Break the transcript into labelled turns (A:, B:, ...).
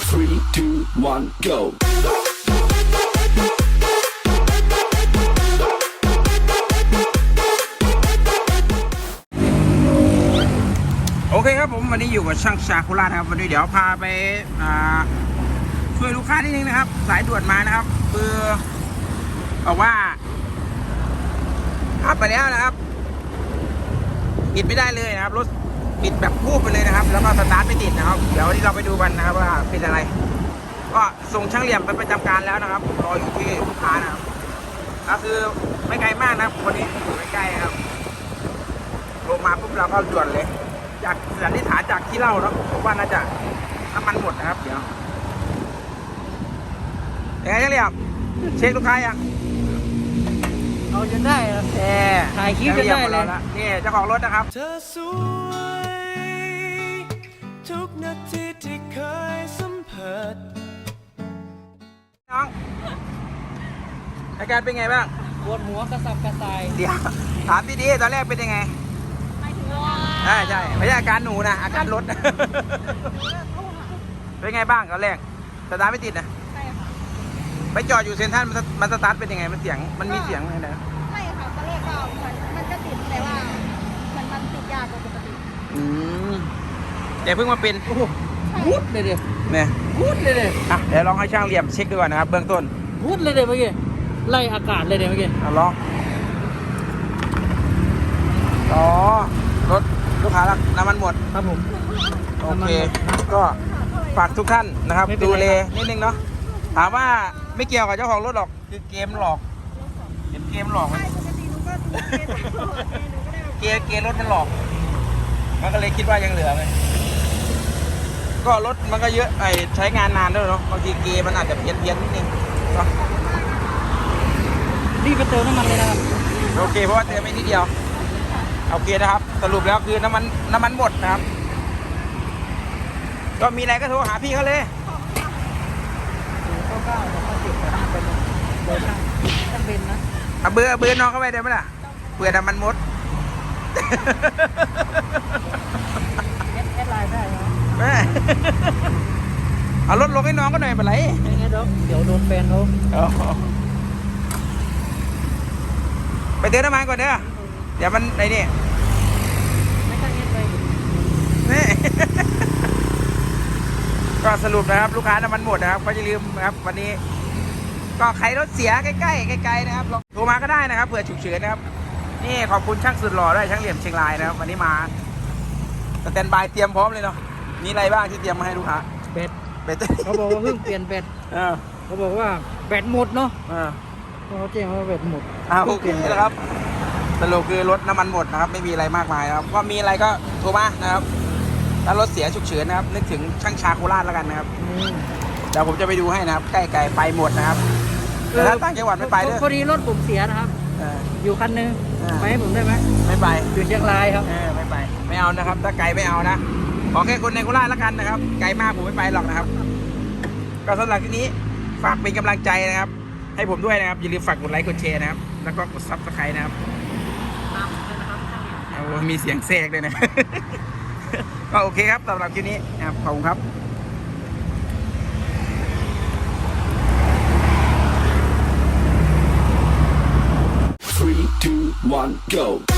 A: 3, 2, 1, go.
B: โอเคครับผมวันนี้อยู่กับช่างชาคุระนะครับวันนี้เดี๋ยวพาไปช่วยลูกค้านิดนึงนะครับสายด่วนมานะครับคือบอกว่าขับไปแล้วนะครับปิดไม่ได้เลยนะครับรถปิดแบบพูบไปเลยนะครับแล้วก็สตาร์ทไม่ติดนะครับเดี๋ยววันนี้เราไปดูกันนะครับว่าเป็นอะไรก็ส่งช่างเหลี่ยมไปประจำการแล้วนะครับรออยู่ที่ลูกค้านะครับก็คือไม่ไกลมากนะครับคนนี้อยู่ใกล้ๆครับลงมาปุ๊บเราก็ด่วนเลยจากสันนิษฐานจากที่เล่าเนาะผมว่าน่าจะน้ำมันหมดนะครับเดี๋ยวยังไงช่างเหลี่ยมเช็คลูกค้ายัง
C: เอาจนได้ครับถ่ายคลิปจนได้เลย
B: นี่เจ้าของรถนะครับ
D: เธอสวยทุกนาทีที่เคยสัมผัส
B: น้องอาการเป็นไงบ้าง
C: ปวดหัวกระสับกระส่าย
B: เดี๋ยวถามดีๆตอนแรกเป็นยังไงใช่ไม่ใช่อาการหนูนะอาการรถเป็นไงบ้างตอนแรกสตาร์ทไม่ติดนะ
E: ใช่ค่ะ
B: ไปจอดอยู่เซ็นทรัลมันสตาร์ทเป็นยังไงมันเสียงมันมีเสียงอะไรนะ
E: ไม่ค่ะตอนแรกก็เหมือนมันจะติดแต่ว่ามันติดยากกว่าปกติ
B: แต่เพิ่งมาเป็น
C: พูดเลยเดี๋ยว
B: เนี่ย
C: พูดเลยเดี๋ยว
B: เดี๋ยวลองให้ช่างเหลี่ยมเช็คดูก่อนนะครับเบื้องต้น
C: พูดเลยเดี๋ยวเมื่อกี้ไล่อากาศเลยเดี๋ยวเมื่อกี้
B: ลองรถลูกค้าน้ำมันหมด
C: ครับผม
B: โอเคก็ฝากทุกท่านนะครับดูแลนิดนึงเนาะถามว่าไม่เกี่ยวกับเจ้าของรถหรอกคือเกมหลอกเกมหลอก
E: ใช่ปกติหนูก็
B: เกมรถมันหลอกมันก็เลยคิดว่ายังเหลือไงก็รถมันก็เยอะใช้งานนานด้วยเนาะบางทีเกมมันอาจจะเพี้ยนนิดนึงเนาะ
C: รีบไปเติมน้ำมันเลยนะครับ
B: โอเคเพราะว่าเติมไม่นิดเดียวโอเคนะครับสรุปแล้วคือน้ำมันหมดนะครับก็มีอะไรก็โทรหาพี่เขาเลย
C: เบอร์ช่างต้องเป็นนะ
B: เอาเบอร์น้องเข้าไปได้ไหมล่ะเผื่อน้ำมันหมด
C: แอดไลน์ได้ไหม
B: แม่เอารถลงให้น้องก็หน่อยเป็นไร
C: ไม่งั้นเดี๋ยวโดนแฟนเขา
B: ไปเติมน้ำมันก่อนเด้อเดี๋ยวมันไอ้นี่
C: ไม่ต้องเงี้ยไป
B: นี่ก็สรุปนะครับลูกค้าน้ำมันหมดนะครับก็อย่าลืมนะครับวันนี้ก็ใครรถเสียใกล้ๆนะครับโทรมาก็ได้นะครับเผื่อฉุกเฉินนะครับนี่ขอบคุณช่างสุดหล่อด้วยช่างเหลี่ยมเชียงรายนะครับวันนี้มาสแตนบายเตรียมพร้อมเลยเนาะมีอะไรบ้างที่เตรียมมาให้ลูกค้า
C: แบตเขาบอกว่าเพิ่งเปลี่ยนแบตเขาบอกว่าแบตหมดเนาะเขาแจ้งว่าแบตหมด
B: โอเคนะครับสรุปคือรถน้ำมันหมดนะครับไม่มีอะไรมากมายนะครับก็มีอะไรก็โทรมานะครับถ้ารถเสียฉุกเฉินนะครับนึกถึงช่างชาโคราชแล้วกันนะครับเดี๋ยวผมจะไปดูให้นะครับใกล้ๆไปหมดนะครับแต่ถ้าต่างจังหวัดไม่ไปด้วย
C: พอดีรถผมเสียนะครับอยู่คันนึงไปให้ผมได้ไหม
B: ไม่ไป
C: อยู่เชียงรายครับ
B: ไม่ไปไม่เอานะครับถ้าไกลไม่เอานะขอแค่คนในโคราชแล้วกันนะครับไกลมากผมไม่ไปหรอกนะครับก็สำหรับที่นี้ฝากเป็นกำลังใจนะครับให้ผมด้วยนะครับอย่าลืมฝากกดไลค์กดแชร์นะครับแล้วก็กดซับสไครต์นะครับมีเสียงแทรกด้วยนะก็โอเคครับสำหรับคลิปนี้นะครับขอบคุณครับ
A: 3, 2, 1, go.